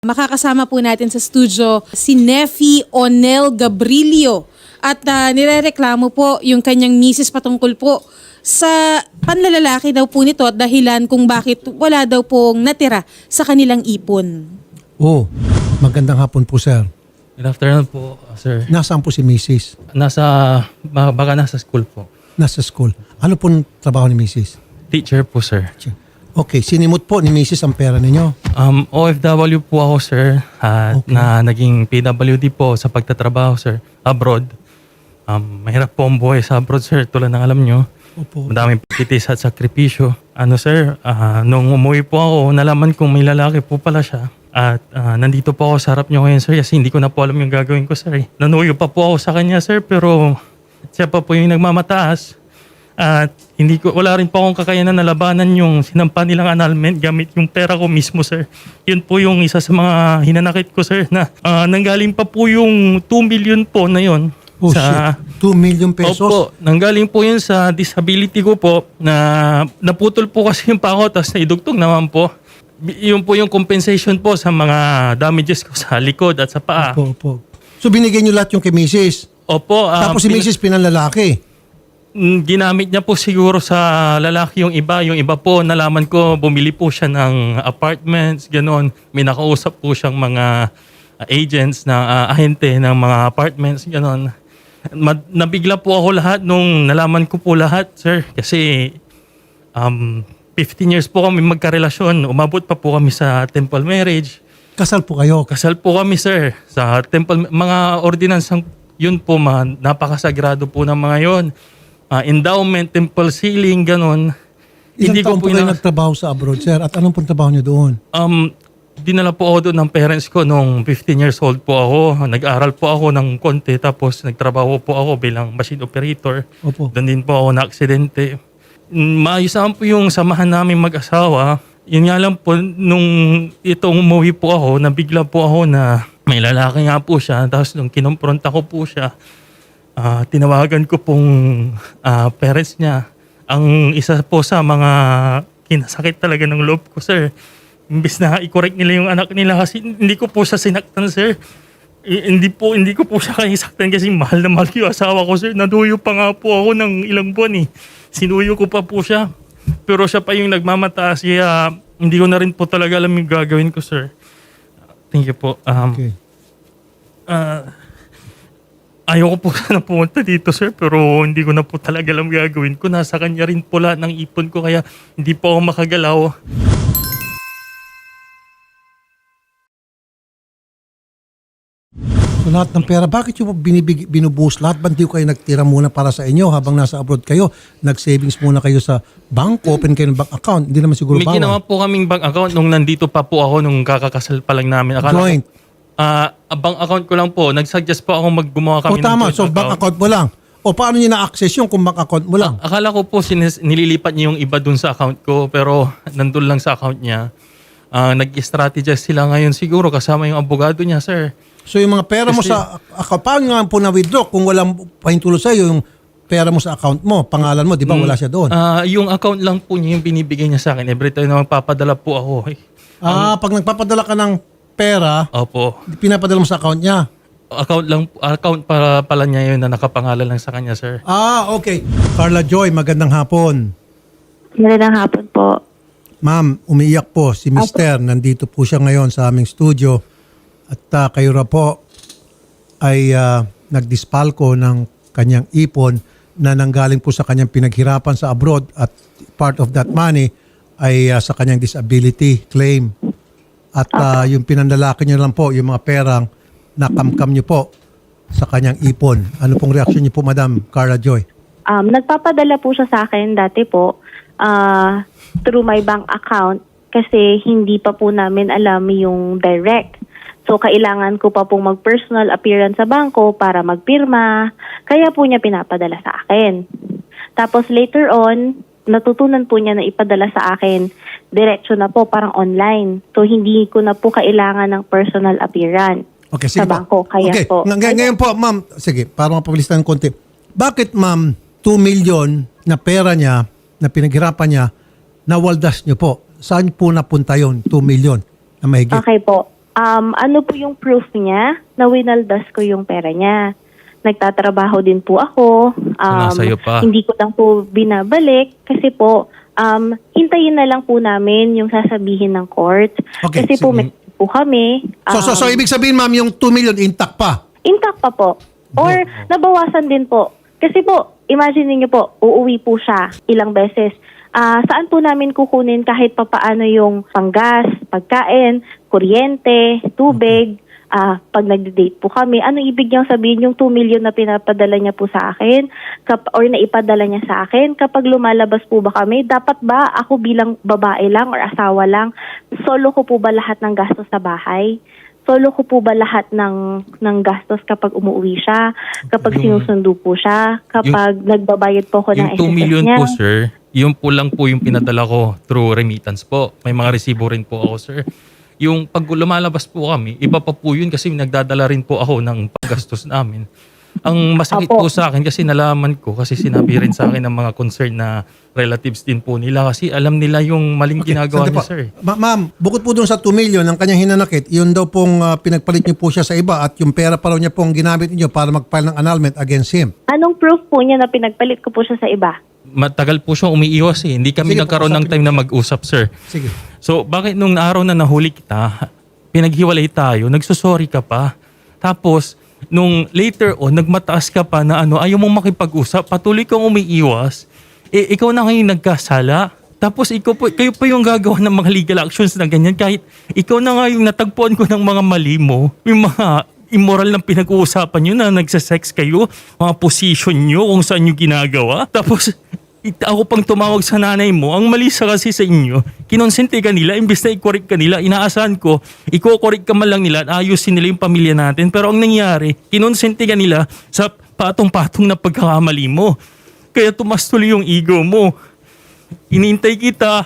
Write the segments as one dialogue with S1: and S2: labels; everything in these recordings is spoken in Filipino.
S1: Makakasama po natin sa studio si Neffy Onel Gabrilio at nirereklamo po yung kanyang misis patungkol po sa panlalalaki daw po nito at dahilan kung bakit wala daw pong natira sa kanilang ipon.
S2: Oh, magandang hapon po, sir.
S3: Good afternoon po, sir.
S2: Nasaan po si Mrs.?
S3: Baka nasa school po.
S2: Nasa school. Ano pong trabaho ni Mrs.?
S3: Teacher po, sir.
S2: Okay, sinimot po ni Mrs. ang pera ninyo?
S3: OFW po ako, sir.
S2: Okay.
S3: Na naging PWD po sa pagtatrabaho, sir. Abroad. Mahirap po ang buhay sa abroad, sir. Tulad ng alam nyo.
S2: Opo.
S3: Madaming pagtitis at sakripisyo. Sir, nung umuwi po ako, nalaman kong may lalaki po pala siya. At nandito po ako sa harap nyo ngayon, sir. Kasi hindi ko na po alam yung gagawin ko, sir. Nanuyo pa po ako sa kanya, sir. Pero siya pa po yung nagmamataas. At wala rin po akong kakayanan na labanan yung sinampa nilang annulment gamit yung pera ko mismo, sir. Yun po yung isa sa mga hinanakit ko, sir, na nanggaling pa po yung 2 million po na yun.
S2: Oh, shit. 2 million pesos?
S3: Opo, nanggaling po yun sa disability ko po na naputol po kasi yung pako tapos naidugtong naman po. Yun po yung compensation po sa mga damages ko sa likod at sa paa.
S2: Opo. So binigyan nyo lahat yung kay Mrs.?
S3: Opo.
S2: Tapos si Mrs. pinanlalaki?
S3: Ginamit niya po siguro sa lalaki yung iba. Yung iba po, nalaman ko, bumili po siya ng apartments, gano'n. May nakausap po siyang mga agents na ahente ng mga apartments, gano'n. Nabigla po ako lahat nung nalaman ko po lahat, sir. Kasi 15 years po kami magkarelasyon. Umabot pa po kami sa temple marriage.
S2: Kasal po kayo?
S3: Kasal po kami, sir. Sa temple, mga ordinansang yun po, napakasagrado po ng mga yun. Endowment, temple sealing, ganon.
S2: Ilang taon po kayo nagtrabaho sa abroad, sir? At anong pong trabaho nyo doon?
S3: Dinala po ako doon ng parents ko nung 15 years old po ako. Nag-aral po ako ng konti tapos nagtrabaho po ako bilang machine operator.
S2: Opo.
S3: Doon din po ako na-aksidente. Maayos naman po yung samahan namin mag-asawa. Yun nga lang po, nung itong umuwi po ako, nabigla po ako na may lalaki nga po siya. Tapos nung kinumpronta ko po siya, tinawagan ko pong parents niya. Ang isa po sa mga kinasakit talaga ng loob ko, sir. Imbis na i-correct nila yung anak nila kasi hindi ko po siya sinaktan, sir. Hindi ko po siya kaisaktan kasi mahal na mahal yung asawa ko, sir. Naduyo pa nga po ako ng ilang buwan eh. Sinuyo ko pa po siya. Pero siya pa yung nagmamataas kaya hindi ko na rin po talaga alam yung gagawin ko, sir. Thank you po.
S2: Okay.
S3: Ayoko po sana pumunta dito, sir, pero hindi ko na po talaga alam gagawin ko. Nasa kanya rin po lahat ng ipon ko kaya hindi po ako makagalaw.
S2: So lahat ng pera, bakit yung binubuhos lahat? Ba't di kayo nagtira muna para sa inyo habang nasa abroad kayo? Nag-savings muna kayo sa bank, open kayo ng bank account. Hindi naman siguro
S3: May
S2: bawal.
S3: ginawa po kaming bank account nung nandito pa po ako nung kakakasal pa lang namin.
S2: Joint.
S3: Bank account ko lang po. Nag-suggest po ako gumawa kami
S2: O tama,
S3: ng
S2: so
S3: joint
S2: bank account mo lang. O paano niyo na-access yung kung bank account mo lang?
S3: Akala ko po nililipat niya yung iba dun sa account ko pero nandun lang sa account niya. Nag-strategize sila ngayon siguro kasama yung abogado niya, sir.
S2: So yung mga pera mo sa account, paano nga po na-withdraw kung walang pahintulo sa'yo yung pera mo sa account mo, pangalan mo, di ba wala siya doon?
S3: Yung account lang po niya yung binibigay niya sa akin. Every time na magpapadala po ako.
S2: Pag nagpapadala ka ng pera,
S3: Opo.
S2: pinapadala mo sa account niya.
S3: Account para pala niya yun na nakapangalan lang sa kanya, sir.
S2: Okay. Carla Joy, magandang hapon.
S4: Magandang hapon po.
S2: Ma'am, umiiyak po si Mr. Nandito po siya ngayon sa aming studio. At kayo ra po ay nagdispalko ng kanyang ipon na nanggaling po sa kanyang pinaghirapan sa abroad at part of that money ay sa kanyang disability claim. At yung pinandalaki niyo lang po, yung mga perang nakamkam niyo po sa kanyang ipon. Ano pong reaksyon niyo po, Madam Carla Joy?
S4: Nagpapadala po siya sa akin dati po through my bank account kasi hindi pa po namin alam yung direct. So, kailangan ko pa pong mag-personal appearance sa bangko para magpirma. Kaya po niya pinapadala sa akin. Tapos later on, natutunan po niya na ipadala sa akin diretso na po, parang online. So, hindi ko na po kailangan ng personal appearance sa bangko. Kaya
S2: okay.
S4: po.
S2: Ngayon po, ma'am, sige, para mapabilis ng konti. Bakit, ma'am, 2 million na pera niya, na pinaghirapan niya, nawaldas niyo po? Saan po napunta yon 2 million na mahigit?
S4: Okay po. ano po yung proof niya na winaldas ko yung pera niya. Nagtatrabaho din po ako.
S3: Sumasayo pa.
S4: Hindi ko lang po binabalik kasi po, hintayin na lang po namin yung sasabihin ng court.
S2: Okay,
S4: Kasi po
S2: sige.
S4: may po kami.
S2: So ibig sabihin, ma'am, yung 2 million intact pa?
S4: Intact pa po. Or nabawasan din po. Kasi po, imagine niyo po, uuwi po siya ilang beses. Saan po namin kukunin kahit papaano yung panggas, pagkain, kuryente, tubig, pag nag-date po kami. Ano ibig niyang sabihin yung 2 million na pinapadala niya po sa akin or naipadala niya sa akin? Kapag lumalabas po ba kami, dapat ba ako bilang babae lang or asawa lang, solo ko po ba lahat ng gastos sa bahay? Solo ko po ba lahat ng gastos kapag umuwi siya, kapag sinusundo po siya, kapag nagbabayad po ako ng
S3: Yung 2 million
S4: niya?
S3: po, sir, yun po lang po yung pinadala ko through remittance po. May mga resibo rin po ako, sir. Yung pag lumalabas po kami, iba pa po yun kasi nagdadala rin po ako ng paggastos namin. Ang masakit
S4: Opo.
S3: po sa akin kasi nalaman ko, kasi sinabi rin sa akin ng mga concerned na relatives din po nila kasi alam nila yung maling ginagawa
S2: sandali
S3: niya,
S2: po.
S3: sir.
S2: Ma'am, bukod po doon sa 2 million ng kanyang hinanakit, yun daw pong pinagpalit niyo po siya sa iba at yung pera pa raw niya pong ginamit niyo para mag-file ng annulment against him.
S4: Anong proof po niya na pinagpalit ko po siya sa iba?
S3: Matagal po siya umiiwas eh. Hindi kami
S2: Sige po,
S3: nagkaroon ng
S2: usapin
S3: time na mag-usap, sir.
S2: Sige.
S3: So, bakit nung araw na nahuli kita, pinaghiwalay tayo, nagsusorry ka pa, tapos, nung later on, nagmataas ka pa na ayaw mong makipag-usap, patuloy kang umiiwas, ikaw na ngayon nagkasala, tapos kayo pa yung gagawa ng mga legal actions na ganyan, kahit ikaw na nga yung natagpuan ko ng mga mali mo, yung mga immoral na pinag-uusapan nyo na nagsasex kayo, mga position nyo, kung saan nyo ginagawa, tapos ako pang tumawag sa nanay mo, ang mali sa kasi sa inyo, kinonsente ka nila, imbes na i-correct ka nila, inaasahan ko, i-correct ka man lang nila at ayusin nila yung pamilya natin. Pero ang nangyari, kinonsente ka nila sa patong-patong na pagkakamali mo. Kaya tumas tuloy yung ego mo. Inintay kita,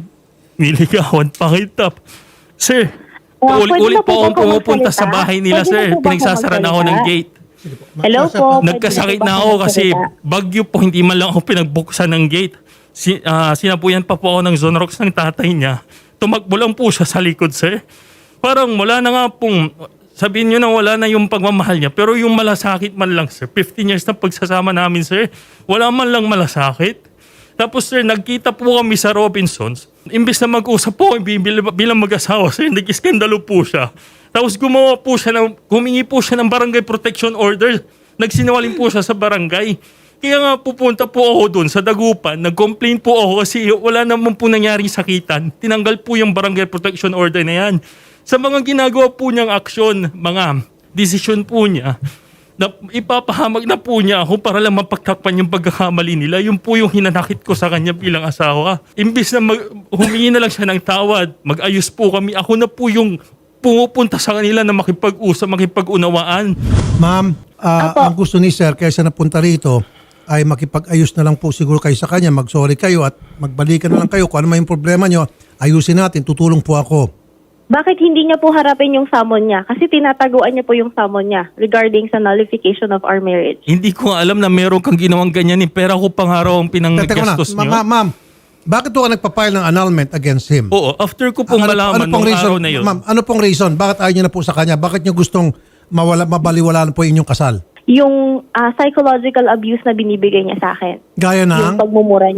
S3: niligawan pa kita. Sir,
S4: Pwede
S3: ulit
S4: ba po
S3: po akong
S4: ba
S3: pumupunta
S4: magsalita?
S3: sa bahay nila,
S4: Pwede
S3: sir.
S4: ba po ba
S3: Pinagsasara na ako ng
S4: magsalita?
S3: gate.
S4: Hello po.
S3: Nagkasakit
S4: Pwede
S3: na
S4: ba
S3: ako
S4: po
S3: kasi
S4: magsalita?
S3: bagyo po, hindi man lang ako pinagbuksan ng gate. Sinapuyan pa po ako ng Zonrox ng tatay niya. Tumakbo lang po siya sa likod, sir. Parang wala na nga pong, sabihin nyo na wala na yung pagmamahal niya. Pero yung malasakit man lang, sir. 15 years na pagsasama namin, sir. Wala man lang malasakit. Tapos, sir, nagkita po kami sa Robinsons. Imbes na mag-usap po bilang mag-asawa, sir, nag-iskandalo po siya. Tapos humingi po siya ng barangay protection order. Nagsinungaling po siya sa barangay. Kaya nga pupunta po ako doon sa Dagupan. Nag-complain po ako kasi wala naman po nangyaring sakitan. Tinanggal po yung barangay protection order na yan. Sa mga ginagawa po niyang aksyon, mga desisyon po niya, na ipapahamag na po niya ako para lang mapagtakpan yung pagkakamali nila. Yung po yung hinanakit ko sa kanya bilang asawa. Imbis na humingi na lang siya ng tawad, mag-ayos po kami. Ako na po yung pumupunta sa kanila na makipag-usap, makipag-unawaan.
S2: Ma'am, ang gusto ni sir, kaya siya napunta rito, ay makipag-ayos na lang po siguro kayo sa kanya, mag-sorry kayo at magbalikan na lang kayo. Kung ano man yung problema nyo, ayusin natin, tutulong po ako.
S4: Bakit hindi niya po harapin yung summon niya? Kasi tinataguan niya po yung summon niya regarding sa nullification of our marriage.
S3: Hindi ko alam na meron kang ginawang ganyan. Pera ko pang araw ang
S2: Teka muna,
S3: pinanggastos nyo.
S2: ma'am, bakit po ka nagpa-file ng annulment against him?
S3: Oo, after ko pong malaman nung araw na yun.
S2: Ma'am, ano pong reason? Bakit ayaw niyo na po sa kanya? Bakit niyo gustong mabaliwalaan po inyong kasal?
S4: Yung psychological abuse na binibigay niya sa akin.
S2: Gaya
S4: Yung
S2: ng...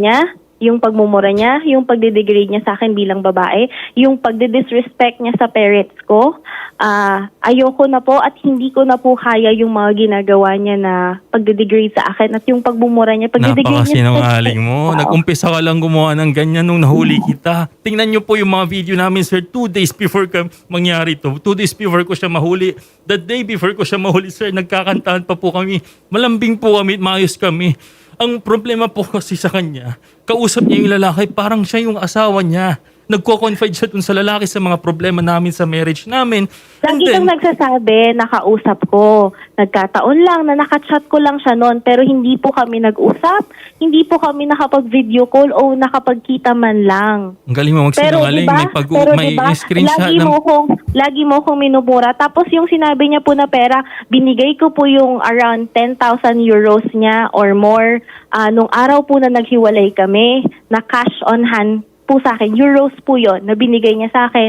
S4: pagmumura niya, yung pagdedegrade niya sa akin bilang babae, yung pagdedisrespect niya sa parents ko, ayoko na po at hindi ko na po kaya yung mga ginagawa niya na pagdedegrade sa akin at yung pagmumura niya, pagdedegrade niya sa
S3: Napakasinungaling mo. Nag-umpisa ka lang gumawa ng ganyan nung nahuli kita. Tingnan niyo po yung mga video namin, sir, 2 days before mangyari to. 2 days before ko siya mahuli. The day before ko siya mahuli, sir, nagkakantahan pa po kami. Malambing po kami, maayos kami. Ang problema po kasi sa kanya, kausap niya yung lalaki, parang siya yung asawa niya. Nagko-confide siya dun sa lalaki sa mga problema namin sa marriage namin. And
S4: Lagi kang nagsasabi, nakausap ko. Nagkataon lang na nakachat ko lang siya noon pero hindi po kami nag-usap. Hindi po kami nakapag-video call o nakapagkita man lang.
S3: ang galing mo magsinungaling, may screenshot
S4: lagi mo kong minubura. Tapos yung sinabi niya po na pera, binigay ko po yung around 10,000 euros niya or more. Nung araw po na naghiwalay kami, na cash on hand po sa akin. Euros po yon na binigay niya sa akin.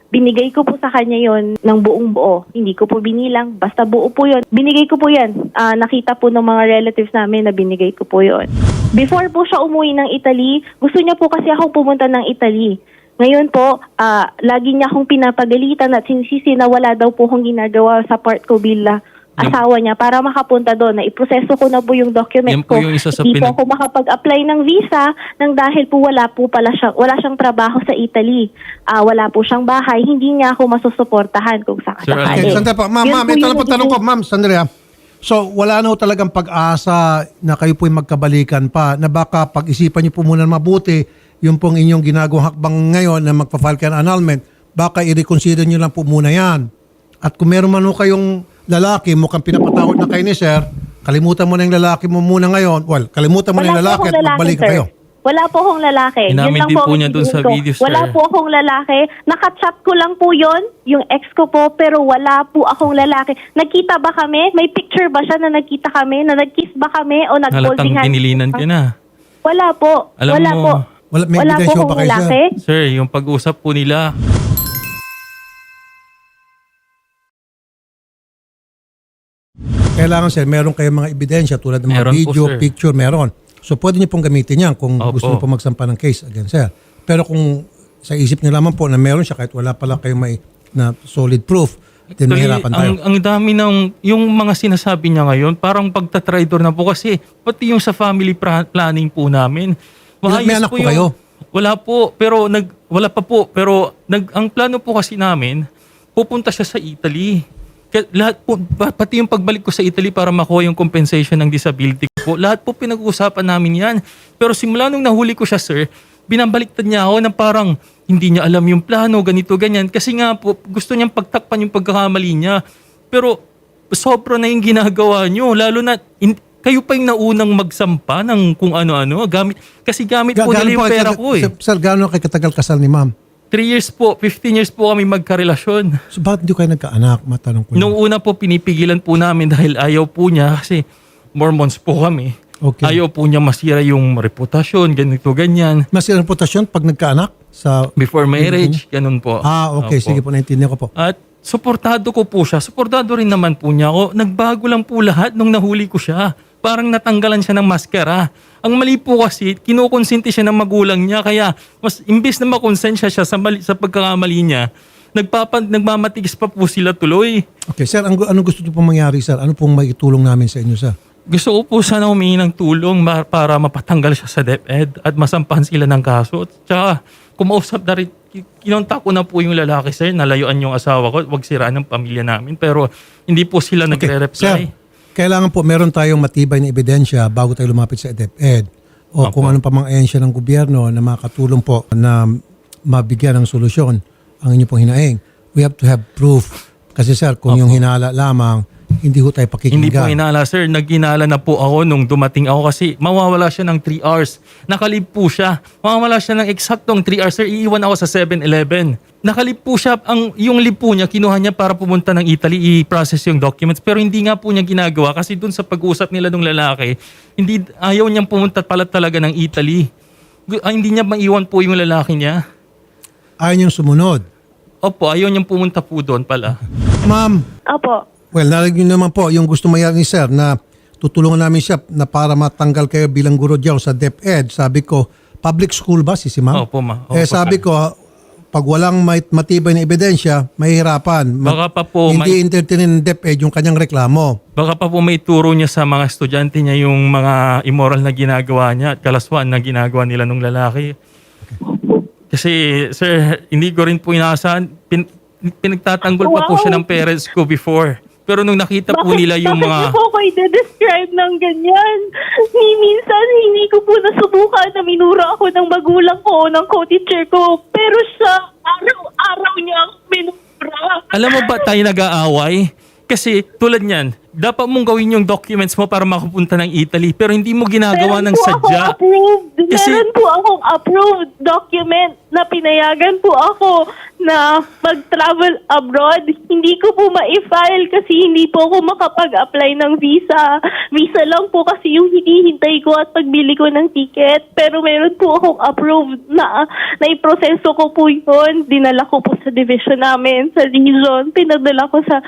S4: Binigay ko po sa kanya yon ng buong buo. Hindi ko po binilang, basta buo po yon. Binigay ko po yan. Nakita po ng mga relatives namin na binigay ko po yon. Before po siya umuwi ng Italy, gusto niya po kasi akong pumunta ng Italy. Ngayon po, lagi niya akong pinapagalitan at sinisisi na wala daw po akong ginagawa sa part ko bilang asawa niya para makapunta doon. Iproseso ko na po yung document
S3: Yan po
S4: ko.
S3: yung isa sa
S4: Hindi po ako makapag-apply ng visa nang dahil po wala siyang trabaho sa Italy. Wala po siyang bahay. Hindi niya ako masusuportahan kung
S3: Sir,
S2: Okay,
S4: sakasakali.
S2: sandali po. Ma'am,
S4: Yun po
S2: ito
S4: yung
S2: lang po tanong ko. Ma'am, sandali ah. So, wala na ho talagang pag-asa na kayo po'y magkabalikan pa na baka pag-isipan niyo po muna mabuti yung pong inyong ginagawang hakbang ngayon na magpa-file kayo ng annulment, baka i-reconsider niyo lang po muna yan. At kung meron man ho kayong lalaki, mukhang pinapatawad na kayo ni sir, kalimutan mo na yung lalaki mo muna ngayon. Well, kalimutan mo na yung lalaki at magbalikan kayo.
S4: Wala po akong lalaki.
S3: Inamin
S4: Yun lang
S3: din
S4: po
S3: po
S4: ang
S3: niya dun sa
S4: ko.
S3: video, sir.
S4: Wala po akong lalaki. Nakachat ko lang po yon, yung ex ko po, pero wala po akong lalaki. Nagkita ba kami? May picture ba siya na nagkita kami? Na nag-kiss ba kami? O
S3: Halatang
S4: nag-holding hands?
S3: dinilinan ka na.
S4: Wala po.
S3: Alam
S4: wala
S3: mo,
S4: po.
S2: may
S4: Wala po
S2: ebidensya ba
S4: akong
S2: kayo, sir?
S4: lalaki.
S3: Sir, yung pag-usap po nila,
S2: Kailangan sir, meron kayong mga ebidensya tulad ng mga
S3: Meron po,
S2: video,
S3: sir.
S2: picture, meron. So pwede niyo pong gamitin yan kung
S3: Opo.
S2: gusto niyo po magsampa ng case against sir. Pero kung sa isip niyo lamang po na meron siya kahit wala pala kayong may na solid proof, then
S3: actually,
S2: mahirapan tayo.
S3: ang dami ng, yung mga sinasabi niya ngayon, parang pagtatraidor na po kasi, pati yung sa family planning po namin.
S2: May anak po kayo?
S3: Wala po, pero wala pa po, pero ang plano po kasi namin, pupunta siya sa Italy. Lahat po, pati yung pagbalik ko sa Italy para makuha yung compensation ng disability ko po, lahat po pinag-uusapan namin yan. Pero simula nung nahuli ko siya, sir, binabaliktad niya ako na parang hindi niya alam yung plano, ganito, ganyan. Kasi nga po, gusto niyang pagtakpan yung pagkakamali niya. Pero sobra na yung ginagawa niyo, lalo na kayo pa yung naunang magsampa ng kung ano-ano. Kasi gamit po nila yung pera ko eh.
S2: Sir, gaano kayo katagal kasal ni ma'am?
S3: 3 years po, 15 years po kami magkarelasyon.
S2: So bakit hindi kayo nagkaanak? Matanong ko
S3: Nung
S2: lang.
S3: una po, pinipigilan po namin dahil ayaw po niya kasi Mormons po kami.
S2: Okay.
S3: Ayaw po niya masira yung reputasyon, ganito, ganyan.
S2: Mas reputasyon pag nagkaanak? Sa
S3: Before marriage, ganun po.
S2: okay.
S3: Opo.
S2: Sige po, naintindihan ko po.
S3: At suportado ko po siya. Suportado rin naman po niya ako. Nagbago lang po lahat nung nahuli ko siya. Parang natanggalan siya ng maskara. Ang mali po kasi, kinukonsinti siya ng magulang niya. Kaya, mas imbis na makonsensya siya sa pagkakamali niya, nagmamatigas pa po sila tuloy.
S2: Okay, sir, anong gusto niyo pong mangyari, sir? Ano pong maitulong namin sa inyo, sir?
S3: Gusto ko po sana humingi ng tulong para mapatanggal siya sa DepEd at masampahan sila ng kaso. At saka, kumausap na rin, kinontak ko na po yung lalaki, sir, nalayuan yung asawa ko, wag siraan ng pamilya namin. Pero hindi po sila nagre-reply.
S2: Sir, kailangan po meron tayong matibay na ebidensya bago tayo lumapit sa DepEd o kung anong pa mga ahensya ng gobyerno na makatulong po na mabigyan ng solusyon ang inyo pong hinaing. We have to have proof. Kasi sir, kung yung hinala lamang, hindi ho tayo
S3: Hindi po
S2: pakikinggan.
S3: inala, sir. Naghinala na po ako nung dumating ako kasi mawawala siya ng 3 hours. Nakalib po siya. Mawawala siya ng eksaktong 3 hours, sir. Iiwan ako sa 7-Eleven. Nakalib po siya. Yung lib po niya, kinuha niya para pumunta ng Italy, i-process yung documents. Pero hindi nga po niya ginagawa kasi dun sa pag-usap nila ng lalaki, ayaw niyang pumunta pala talaga ng Italy. Hindi niya maiwan po yung lalaki niya.
S2: Ayaw niyong sumunod.
S3: Opo, ayaw niyang pumunta po doon pala.
S2: Ma'am,
S4: Opo.
S2: well, narinig niyo naman po yung gusto mayari ni sir na tutulungan namin siya na para matanggal kayo bilang guro diyaw sa DepEd. Sabi ko, public school ba si ma'am?
S3: Opo, ma. Opo,
S2: Sabi ko, pag walang matibay na ebidensya, mahihirapan.
S3: Baka pa po
S2: Hindi entertainin ng DepEd yung kanyang reklamo.
S3: Baka pa po may turo niya sa mga estudyante niya yung mga immoral na ginagawa niya at kalaswan na ginagawa nila nung lalaki. Kasi, sir, hindi ko rin po inaasahan. Pinagtatanggol pa po siya ng parents ko before. Pero nung nakita po nila yung
S4: bakit
S3: mga...
S4: niyo po ako i-describe ng ganyan? Minsan, hindi ko po nasubukan na minura ako ng magulang ko, ng co-teacher ko. Pero siya, araw-araw niya ako minura.
S3: Alam mo ba tayo nag-aaway? Kasi tulad niyan, dapat mong gawin yung documents mo para makapunta ng Italy pero hindi mo ginagawa ng sadya.
S4: Meron po akong approved document na pinayagan po ako na mag-travel abroad. Hindi ko po ma-file kasi hindi po ako makapag-apply ng visa. Visa lang po kasi yung hinihintay ko at pagbili ko ng ticket. Pero meron po akong approved na naiproseso ko po yun. Dinala ko po sa division namin, sa region. Pinadala ko sa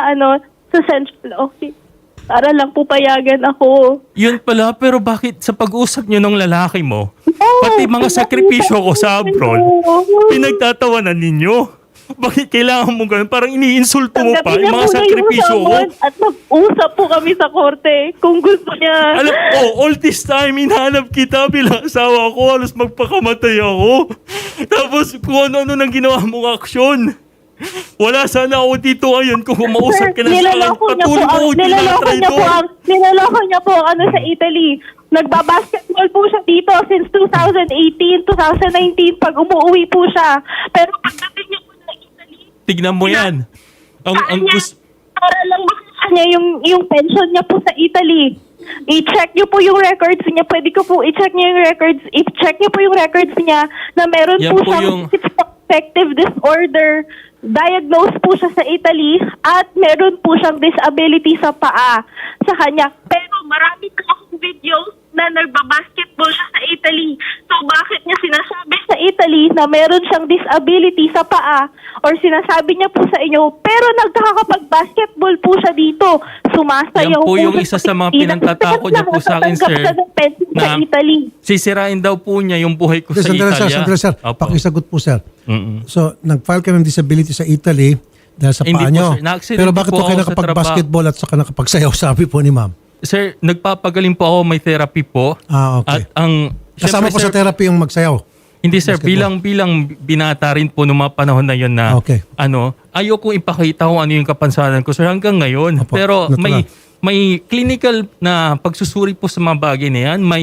S4: central office. Para lang po payagan ako.
S3: Yun pala, pero bakit sa pag-usap nyo ng lalaki mo, pati mga sakripisyo ko sa abroad, pinagtatawanan ninyo? Bakit kailangan mo ganun? Parang iniinsulto mo pa yung mga sakripisyo ko.
S4: At mag-usap po kami sa korte kung gusto niya.
S3: Alam ko, all this time, hinahanap kita bilang asawa ko, halos magpakamatay ako. Tapos kung ano-ano nang ginawa mong aksyon. Wala sana ako dito ngayon kung kumausap ka na sa akin. Patuloy mo ako tinatry doon.
S4: Nilaloko niya po sa Italy. Nagbabasketball po siya dito since 2018, 2019 pag umuwi po siya. Pero pagdating niya po sa Italy,
S3: Tignan mo yan. Ang gusto...
S4: para lang makita niya yung pension niya po sa Italy. I-check niyo po yung records niya. Pwede ko po i-check niyo yung records. I-check niyo po yung records niya na meron
S3: Yan
S4: po
S3: po
S4: siyang affective disorder. Diagnosed po siya sa Italy at meron po siyang disability sa paa sa kanya. Pero marami po akong videos na nagbabasketball siya sa Italy. So bakit niya sinasabi sa Italy na meron siyang disability sa paa or sinasabi niya po sa inyo pero nagkakapag-basketball po siya dito. Sumasayaw
S3: Yan po yung
S4: siya
S3: isa sa mga
S4: Pilipinas.
S3: pinagtatakot niya po sa akin, sir,
S4: Nakatanggap siya ng pension sa
S3: na
S4: Italy.
S3: sisirain daw po niya yung buhay ko sa Italia.
S2: Sandali, sir.
S3: Opo.
S2: Pakisagot po, sir.
S3: Mm-mm.
S2: So, nag-file ka ng disability sa Italy dahil sa
S3: Hindi
S2: paa
S3: po,
S2: nyo.
S3: sir. Na-accident
S2: Pero bakit
S3: po
S2: po kayo
S3: ako sa
S2: nakapag-basketball at saka nakapagsayaw, sabi po ni ma'am?
S3: Sir, nagpapagaling po ako, may therapy po.
S2: Okay.
S3: At ang...
S2: Kasama
S3: syempre,
S2: po sa
S3: sir,
S2: therapy yung magsayaw.
S3: Hindi sir,
S2: basketball.
S3: bilang binata rin po noong mga panahon na yon na
S2: Okay.
S3: ayoko ipakita kung ano yung kapansanan ko sir hanggang ngayon.
S2: Opo,
S3: Pero
S2: natural.
S3: may clinical na pagsusuri po sa mga bagay na yan,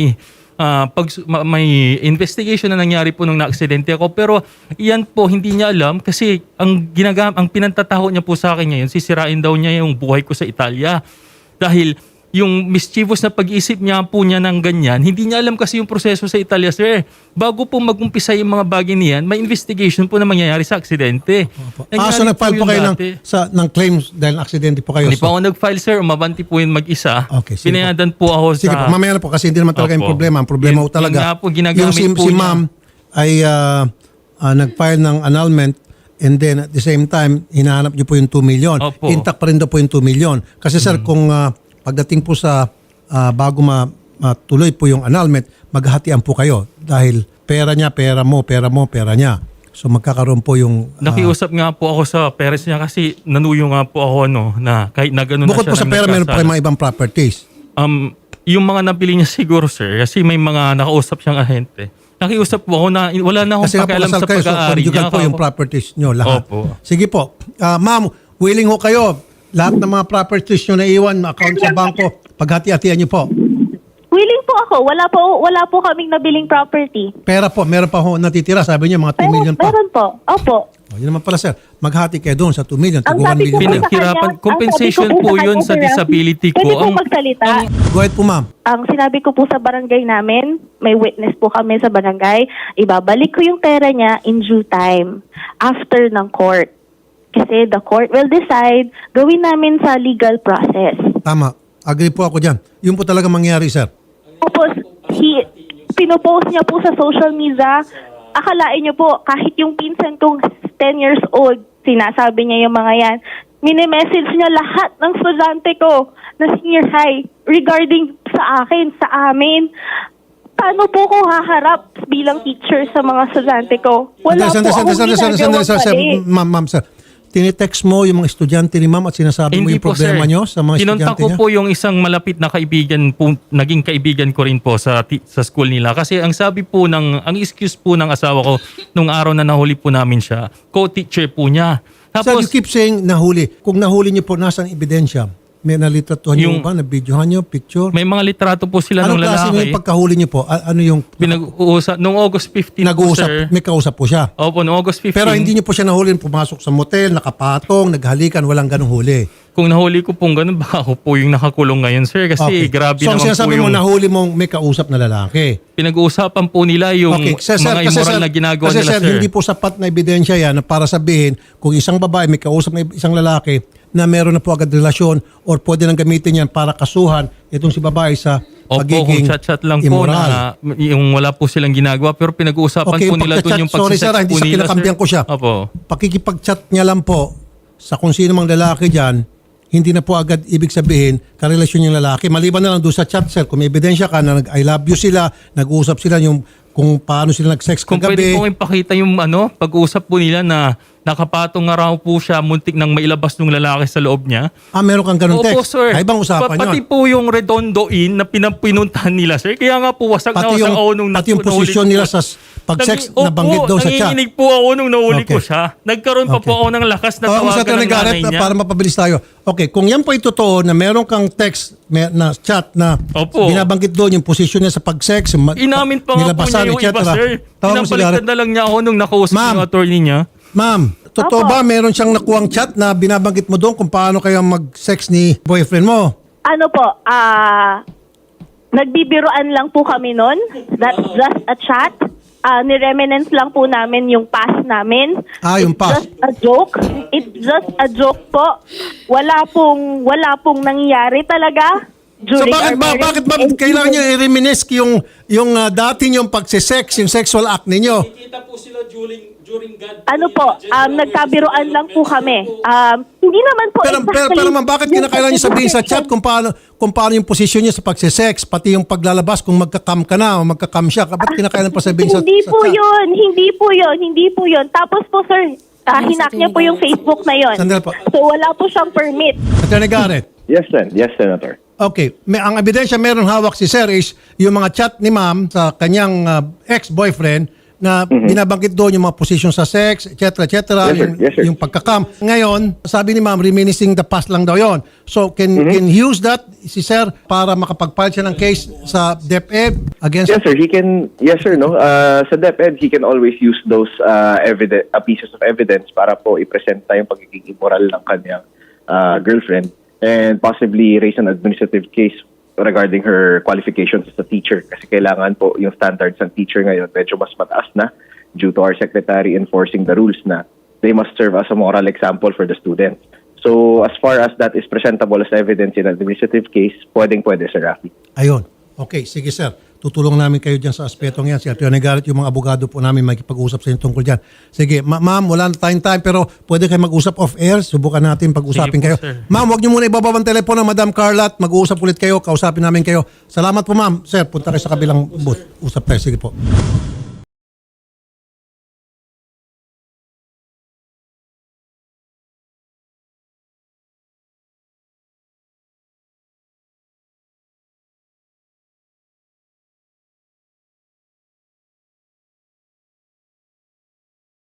S3: may investigation na nangyari po nung na-aksidente ako pero yan po hindi niya alam kasi ang pinantataho niya po sa akin ngayon, sisirain daw niya yung buhay ko sa Italia. Dahil yung mischievous na pag-iisip niya po niya ng ganyan, hindi niya alam kasi yung proseso sa Italia, sir. Bago po mag-umpisa yung mga bagay niyan, may investigation po na mangyayari sa aksidente.
S2: So nag-file po kayo ng claims dahil aksidente po kayo.
S3: Hindi pa ako nag-file, sir. Umabanti po yun mag-isa.
S2: Okay, sige po.
S3: Pinayadan po ako
S2: Sige
S3: sa...
S2: po, mamaya na po kasi hindi naman talaga yung
S3: Opo.
S2: problema. Ang problema
S3: Yun-
S2: po talaga,
S3: yun nga po, ginagamit
S2: yung
S3: po
S2: si
S3: niya.
S2: ma'am ay nag-file ng annulment and then at the same time, hinahanap niyo po yung 2 million.
S3: Opo.
S2: Intact pa rin daw po yung 2 million. Kasi sir, kung pagdating po sa bago matuloy po yung annulment, maghahatian po kayo dahil pera niya, pera mo, pera niya. So magkakaroon po yung...
S3: Nakiusap nga po ako sa parents niya kasi nanuyo nga po ako na kahit na gano'n na
S2: bukod
S3: siya
S2: po sa
S3: nang
S2: pera, meron po
S3: nagkasala.
S2: kayo mga ibang properties.
S3: Yung mga nabili niya siguro, sir, kasi may mga nakausap siyang ahente. Nakiusap po ako na wala na akong
S2: Kasi nga po
S3: pakialam
S2: kasal
S3: sa
S2: kayo, so
S3: pag-aari
S2: conjugal
S3: niya.
S2: po yung properties nyo lahat.
S3: Opo.
S2: Sige po. Ma'am, willing ho kayo. Lahat ng mga properties nyo na iwan, account sa bangko, paghati-hatian nyo po.
S4: Willing po ako. Wala po kaming nabiling property.
S2: Pera po, meron pa ho natitira. Sabi niyo, mga 2 million pa.
S4: Meron po. Opo.
S2: Yun naman pala, sir. Maghati kayo doon sa 2 million.
S4: Ang
S2: Tugo 1
S4: sabi ko
S2: million.
S4: po sa
S3: Pinaghirapan-
S4: kanya,
S3: compensation
S4: ang sabi ko
S3: po
S4: sa
S3: yun
S4: kanya,
S3: sa
S4: sir,
S3: disability ko.
S4: Pwede po magsalita.
S2: Go ahead po, ma'am.
S4: Ang sinabi ko po sa barangay namin, may witness po kami sa barangay, ibabalik ko yung pera niya in due time after ng court. Kasi the court will decide, gawin namin sa legal process.
S2: Tama. Agree po ako dyan. Yun po talaga mangyari, sir.
S4: Tapos, pinopost niya po sa social media, akalain niyo po, kahit yung pinsan kong 10 years old, sinasabi niya yung mga yan, mini-message niya lahat ng estudyante ko na senior high regarding sa akin, sa amin. Paano po ko haharap bilang teacher sa mga estudyante ko? Wala po akong ginagawang mali.
S2: Ma'am, sir. Tinitext mo yung mga estudyante ni ma'am at sinasabi mo
S3: Hindi
S2: yung
S3: po,
S2: problema
S3: sir.
S2: nyo sa mga
S3: Kinontak
S2: estudyante
S3: ko
S2: niya?
S3: po yung isang malapit na kaibigan po, naging kaibigan ko rin po sa school nila. Kasi ang sabi po ang excuse po ng asawa ko nung araw na nahuli po namin siya, co-teacher po niya.
S2: Sir,
S3: Tapos,
S2: you keep saying nahuli. Kung nahuli niyo po, nasaan ebidensya? May nalitratuhan niyo
S3: Yung-
S2: ba? Nabidyohan niyo? Picture?
S3: may mga litrato po sila
S2: Anong
S3: ng
S2: klase niyo
S3: lalaki.
S2: yung pagkahuli niyo po? Ano yung
S3: Pinag-uusap, nung August 15 po, sir.
S2: nag-uusap? May kausap po siya.
S3: Opo, nung August 15.
S2: Pero hindi niyo po siya nahuli, pumasok sa motel, nakapatong, naghalikan, walang ganong huli.
S3: Kung nahuli ko pong ganun, baka ako po yung nakakulong ngayon, sir. Kasi grabe
S2: So, ang
S3: naman po
S2: sinasabi mo,
S3: yung
S2: nahuli mong may kausap na lalaki.
S3: pinag-uusapan po nila yung mga immoral na ginagawa
S2: kasi
S3: nila,
S2: sir,
S3: sir.
S2: hindi po sapat na ebidensya yan na para sabihin kung isang babae may kausap na isang lalaki na meron na po agad relasyon or pwede nang gamitin yan para kasuhan itong si babae sa
S3: Opo, kung
S2: pagiging
S3: chat-chat lang po
S2: immoral.
S3: na yung wala po silang ginagawa. Pero pinag-uusapan po nila doon yung
S2: sorry sir,
S3: pagsisex
S2: hindi
S3: po
S2: sa
S3: nila,
S2: kinakampihan
S3: sir.
S2: ko siya.
S3: Opo.
S2: Pakikipag-chat niya lang po sa kung sino mang lalaki dyan, hindi na po agad ibig sabihin karelasyon yung lalaki. Maliban na lang doon sa chat, sir, kung may ebidensya ka na nag-I love you sila, nag-uusap sila yung kung paano sila nag-sex
S3: Kung pwede
S2: kagabi.
S3: po ipakita yung pag-uusap po nila na nakapatong nga raw po siya, muntik nang mailabas ng lalaki sa loob niya.
S2: Meron kang ganun
S3: Opo,
S2: text.
S3: sir.
S2: Ay, ibang usapan
S3: Pati
S2: yun.
S3: po yung Redondo Inn na pinuntahan nila, sir. Kaya nga po wasag na
S2: Pati
S3: wasag
S2: yung,
S3: ako nung
S2: pati yung
S3: nahuli
S2: posisyon
S3: ko
S2: nila
S3: po.
S2: sa pag-sex
S3: Opo,
S2: na banggit daw sa chat.
S3: nanginginig po ako nung nahuli ko
S2: Okay.
S3: siya. Nagkaroon pa po
S2: Okay.
S3: ako ng lakas na
S2: Tawagan mo sa
S3: tawagan ng
S2: Garrett
S3: nanay niya.
S2: para mapabilis tayo. Okay, kung yan po ay totoo na meron kang text na chat na
S3: Opo.
S2: binabanggit doon yung posisyon niya sa pag-sex,
S3: Inamin pa nga po niya yung iba, sir.
S2: Tawagan mo si Garrett.
S3: Pinapaliktad na lang niya ako nung nakausap
S2: Ma'am.
S3: yung attorney niya.
S2: Ma'am, totoo
S4: Opo.
S2: ba meron siyang nakuhang chat na binabanggit mo doon kung paano kayo mag-sex ni boyfriend mo?
S4: Ano po, nagbibiroan lang po kami nun. That's just a chat. Ni-reminisce lang po namin yung past namin.
S2: Yung
S4: It's
S2: past.
S4: just a joke. It's just a joke po. Wala pong nangyari talaga.
S2: So
S4: During
S2: bakit
S4: our
S2: ba
S4: marriage.
S2: bakit ba
S4: And
S2: kailangan niyo i-reminisce yung dati niyong pagse-sex, yung sexual act ninyo?
S3: Kita po sila during God.
S4: ano po, nagkabiroan lang po kami. Hindi naman po
S2: Pero ma'am, bakit kinakailangan niyo sabihin sa chat kung paano yung posisyon niyo sa pagse-sex, pati yung paglalabas kung magka-cam ka na o magka-cam siya, bakit kinakailangan pa sabihin sa
S4: Hindi
S2: sa
S4: po
S2: chat?
S4: yun. Hindi po yun. Tapos po sir, hinak niya po yung Facebook na yun.
S2: Sandali po.
S4: So wala po siyang permit.
S2: Attorney Garrett.
S5: Yes, Senator.
S2: Okay, ang ebidensya meron hawak si Sir is yung mga chat ni ma'am sa kanyang ex-boyfriend na binabanggit doon yung mga posisyon sa sex, etc.
S5: Yes, sir. Yes, sir.
S2: Yung pagkakam. Ngayon, sabi ni ma'am, reminiscing the past lang daw yon. So, can he use that, si Sir, para makapag-file siya ng case sa DepEd against...
S5: Yes, sir. He can. Yes, sir. No. Sa DepEd, he can always use those pieces of evidence para po i-presenta yung pagiging immoral ng kanyang girlfriend and possibly raise an administrative case regarding her qualifications as a teacher. Kasi kailangan po yung standards ng teacher ngayon medyo mas mataas na due to our secretary enforcing the rules na they must serve as a moral example for the students. So as far as that is presentable as evidence in an administrative case, pwede, Sir Rafi.
S2: Ayun. Okay, sige Sir. Tutulong namin kayo dyan sa aspetong yan. Si Atty. Garrett, yung mga abogado po namin makipag-usap sa inyo tungkol dyan. Sige, ma'am, wala na tayong time pero pwede kayo mag-usap off-air. Subukan natin pag-usapin
S3: Sige po,
S2: kayo.
S3: sir.
S2: Ma'am, huwag niyo muna ibababa ang telepono, Madam Carla, at mag-uusap ulit kayo. Kausapin namin kayo. Salamat po, ma'am. Sir, punta kayo sa kabilang booth. Usap tayo. Sige po.